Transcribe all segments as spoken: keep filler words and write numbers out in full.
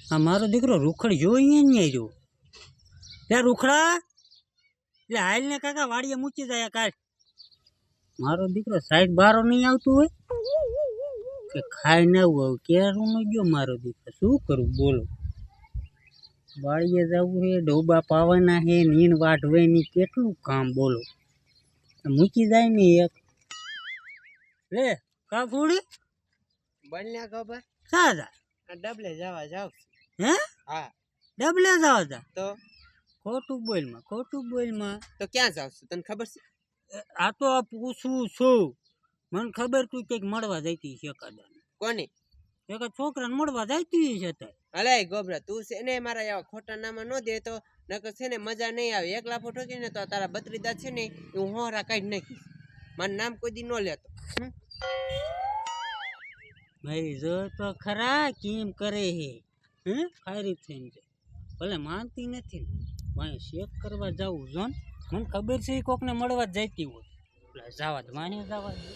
આ મારો દીકરો રૂખડ જોઈએ ને જો ત્યાં રૂખડા એટલે હાલ ને કાકા વાડીએ મૂકી જાય કાઢ મારો દીકરો સાઈડ બારો નહીં આવતું હોય કે ખાઈ ન આવું ક્યારું ન ગયો મારો દીકરો શું કરું બોલો વાડીએ જવું છે ડોબા પાવાના છે નીણ વાઢવાની કેટલું કામ બોલો મૂકી જાય ને એક લે કા ફૂડી બન્યા ખબર સાજા ડબલે જવા જાવ હે હા ડબલે જાવ તા તો ખોટું બોલમાં ખોટું બોલમાં તો ક્યાં જાવ છું તને ખબર છે આ તો આ પૂછું છું મને ખબર તું કંઈક મળવા જતી છે એકાદા કોને એક છોકરાને મળવા જતી છે તે અલે ગોબરા તું છે ને મારા એવા ખોટા નામાં ન દે તો નકર છે ને મજા નહીં આવે એક લાફો ઠોકી ને તો તારા બત્રીદા છે ને હું હોરા કાઢી નાખીશ મારું નામ કોઈ દી ન લેતો ભાઈ જો તો ખરા કેમ કરે હે હે ખારી થઈને છે ભલે માનતી નથી ભાઈ શેક કરવા જવું જો ને મને ખબર છે કોકને મળવા જ જતી હોય એટલે જવા જ માને જવા જ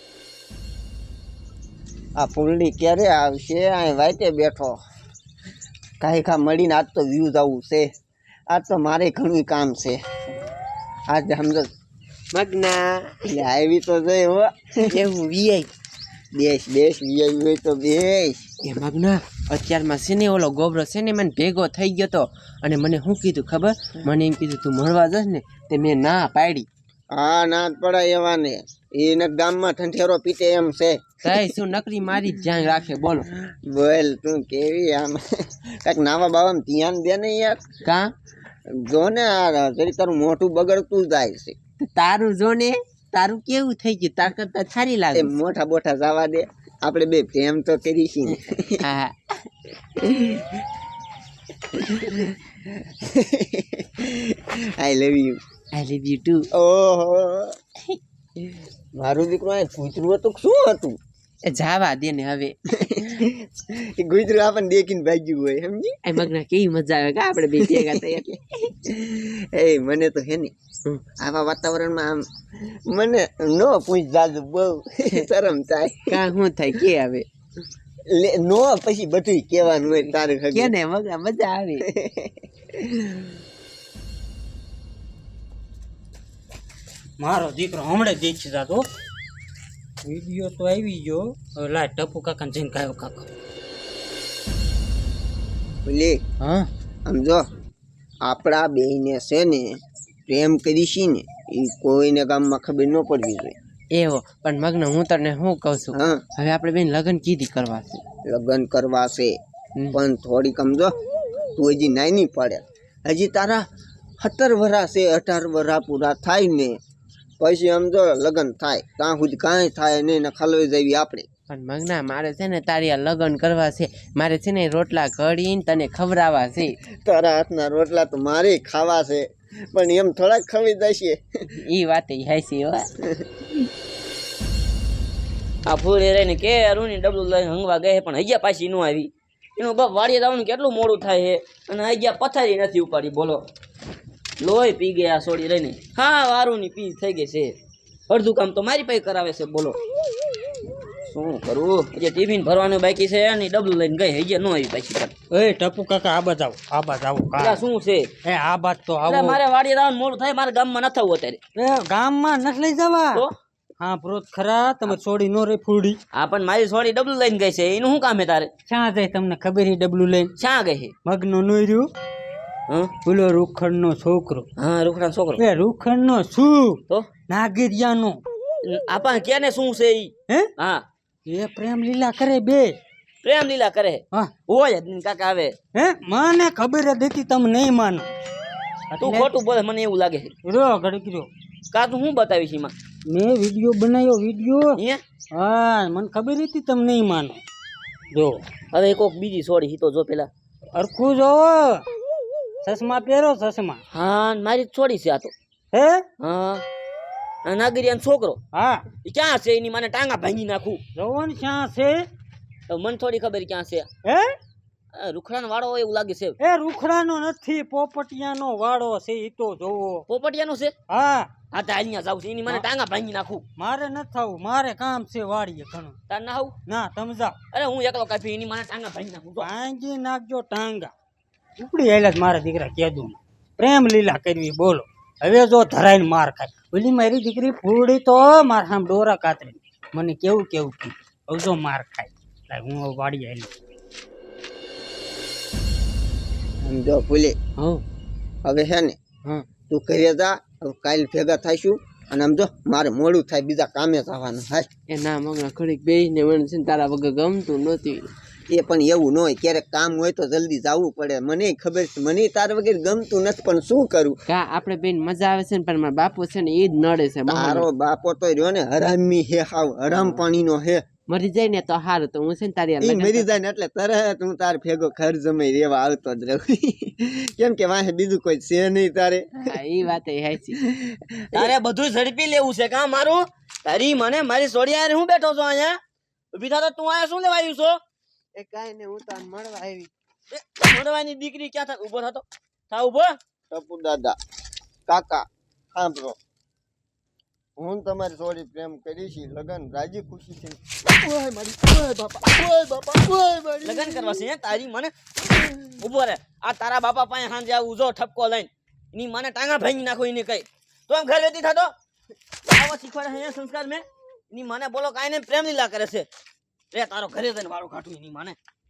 આ ફૂલડી ક્યારે આવશે અહીં વાઈટે બેઠો કાંઈ ખા મળીને આજ તો વ્યૂઝ આવું છે આજ તો મારે ઘણું કામ છે આજ સમજો મગના એટલે આવી તો જઈ હો એવું વીઆઈ દેશ દેશ વીઆઈ હોય તો બેસ એ મગના અત્યારમાં છે ને ઓલો ગોબરો છે ને મને ભેગો થઈ ગયો તો અને મને શું કીધું ખબર મને એમ કીધું તું મળવા જશ ને તે મેં ના પાડી હા ના જ પડાય એવાને એને ગામમાં ઠંઠેરો પીટે એમ છે કઈ શું નકરી મારી જ ધ્યાન રાખે બોલો બોલ તું કેવી આમ કાંઈક નાવા બાવામાં ધ્યાન દે ને યાર કા જો ને આ જરી તારું મોઢું બગડતું જાય છે તારું જો ને તારું કેવું થઈ ગયું તાર કરતા સારી લાગે એ મોટા બોઠા જવા દે આપણે બે પ્રેમ તો કરી છીએ ને હા I love you I love you too ઓહો મારું દીકરું આ કૂતરું હતું શું હતું એ જાવા દે ને હવે એ કૂતરું આપણને દેખીને ભાગ્યું હોય સમજી એ મગના કેવી મજા આવે કા આપણે બે ભેગા થઈ એટલે એ મને તો હે ને આવા વાતાવરણમાં આમ મને નો પૂછ જાજુ બહુ શરમ થાય કા શું થાય કે હવે લે નો પછી બધું કહેવાનું હોય તારે કે ને મગના મજા આવે મારો દીકરો હમણાં દેખી જાતો વિડીયો તો આવી ગયો હવે લા ટપુ કાકાને જઈને કાયો કાકા બોલે હા આમ જો આપણા બેયને છે ને પ્રેમ કરીશી ને એ કોઈને ગામમાં ખબર ન પડવી જોઈએ એવો પણ મગનો હું તને શું કહું છું હા હવે આપણે બેન લગ્ન કીધી કરવા છે લગ્ન કરવા છે પણ થોડીક સમજો તું હજી નાની પડે હજી તારા સત્તર વરા છે અઢાર વરા પૂરા થાય ને પછી સમજો લગ્ન થાય ત્યાં સુધી કાંઈ થાય નહીં ને ખલવાઈ જવી આપણે પણ મગના મારે છે ને તારી આ લગ્ન કરવા છે મારે છે ને રોટલા ઘડીને તને ખવડાવવા છે તારા હાથના રોટલા તો મારે ખાવા છે પણ એમ થોડાક ખવાઈ જશે એ વાત હાસી હો આ ફૂલે રહીને કે અરુણી ડબલું લઈને હંગવા ગઈ પણ હૈયા પાછી ન આવી એનું બાપ વાડીએ જવાનું કેટલું મોડું થાય છે અને હૈયા પથારી નથી ઉપાડી બોલો લોહી પી ગયા સોડી રહીને હા વારુની પી થઈ ગઈ છે અડધું કામ તો મારી પાસે કરાવે છે બોલો શું કરું જે ટિફિન ભરવાનું બાકી છે અને ડબલું લઈને ગઈ હૈયા ન આવી પાછી પણ એ ટપુ કાકા આ બાજ આવો આ બાજ આવો એટલે શું છે એ આ બાજ તો એટલે આવો મારે વાડીએ જવાનું મોડું થાય મારે ગામમાં ન થવું અત્યારે એ ગામમાં નથી લઈ જવા તો હા પ્રોત ખરા તમે છોડી નો રે ફૂડી હા પણ મારી સોડી ડબલું લઈને ગઈ છે એનું શું કામ છે તારે ક્યાં જાય તમને ખબર છે ડબલું લઈને શા ગઈ છે મગનો નોર્યું હા પેલો રૂખડ નો છોકરો હા રૂખડાનો છોકરો એ રૂખડ નો શું તો નાગરિયા નો આપણ કેને શું છે ઈ હે હા એ પ્રેમ લીલા કરે બે પ્રેમ લીલા કરે હા હોય જ નહીં કાકા આવે હે મને ખબર જ હતી તમે નહીં માનો તું ખોટું બોલે મને એવું લાગે છે રો ગડકર્યો કા તું શું બતાવીશ એમાં મેં વિડીયો બનાવ્યો વિડીયો અહીંયા હા મને ખબર હતી તમે નહીં માનો જો હવે કોક બીજી સોડી હીતો જો પેલા અરખું જોવો ચશ્મા પહેરો ચશ્મા હા મારી જ છોડી છે આ તો હે હા આ નાગરિયાનો છોકરો હા એ ક્યાં છે એની મને ટાંગા ભાંગી નાખું જોવો ને ક્યાં છે તો મને થોડી ખબર ક્યાં છે હે આ રૂખડાનો વાળો હોય એવું લાગે છે એ રૂખડાનો નથી પોપટિયાનો વાળો છે ઈ તો જોવો પોપટિયાનો છે હા હા તો અહીંયા જાવ છે એની મને ટાંગા ભાંગી નાખું મારે ન થવું મારે કામ છે વાડીએ ઘણું તાર ના આવું ના તમે જાઓ અરે હું એકલો કાપી એની મને ટાંગા ભાંગી નાખું જો. ભાંગી નાખજો ટાંગા ઉપડી આયેલા જ મારા દીકરા કીધું પ્રેમ લીલા કરવી બોલો હવે જો ધરાઈને માર ખાય ઓલી મારી દીકરી ફૂડી તો મારા સામે ડોરા કાતરી મને કેવું કેવું કીધું હવે જો માર ખાય લાય હું હવે વાડી આવેલી સમજો ભૂલે હો હવે છે ને હા તું ઘરે જા હવે કાલ ભેગા થાઈશું અને આમ જો મારે મોડું થાય બીજા કામે જવાનું હાલ એ ના મગના ઘડીક બેસીને મને છે ને તારા વગર ગમતું નહોતું એ પણ એવું ન હોય ક્યારેક કામ હોય તો જલ્દી જવું પડે મને ખબર છે મને તાર વગર ગમતું નથી પણ શું કરું કા આપણે બેન મજા આવે છે ને પણ મારા બાપુ છે ને એ જ નડે છે તારો બાપો તો રહ્યો ને હરામી હે હાવ હરામ પાણીનો હે મરી જાય ને તો સારું તો હું છે ને તારી હારે ઈ લગ્ન મરી જાય ને એટલે તરત હું તાર ભેગો ઘર જમાઈ રેવા આવતો જ રહું કેમ કે વાહે બીજું કોઈ છે નહીં તારે હા એ વાત એ હાચી તારે બધું ઝડપી લેવું છે કા મારું તારી મને મારી સોડી યાર હું બેઠો છું અહીંયા ઊભી થા તો તું અહીંયા શું લેવા આવ્યું છો એ કાઈ ને હું તો આને મળવા આવી એ મોડવાની દીકરી ક્યાં થા ઊભો થતો થા ઊભો ટપુ દાદા કાકા સાંભળો હું તમારી જોડી પ્રેમ કરીશ લગન રાજી ખુશી છે ઓય મારી ઓય બાપા ઓય બાપા ઓય મારી લગન કરવા છે હે? તારી મને ઊભો રે આ તારા બાપા પાસે હાંજે આવું જો ઠપકો લઈને એની મને ટાંગા ભાંગી નાખો એને કઈ તો એમ ઘર વેતી થતો આવા શીખવાડે છે સંસ્કાર મેં એની મને બોલો કાંઈ ને પ્રેમ લીલા કરે છે રે તારો ઘરે જઈને વાળું કાઢું એની મને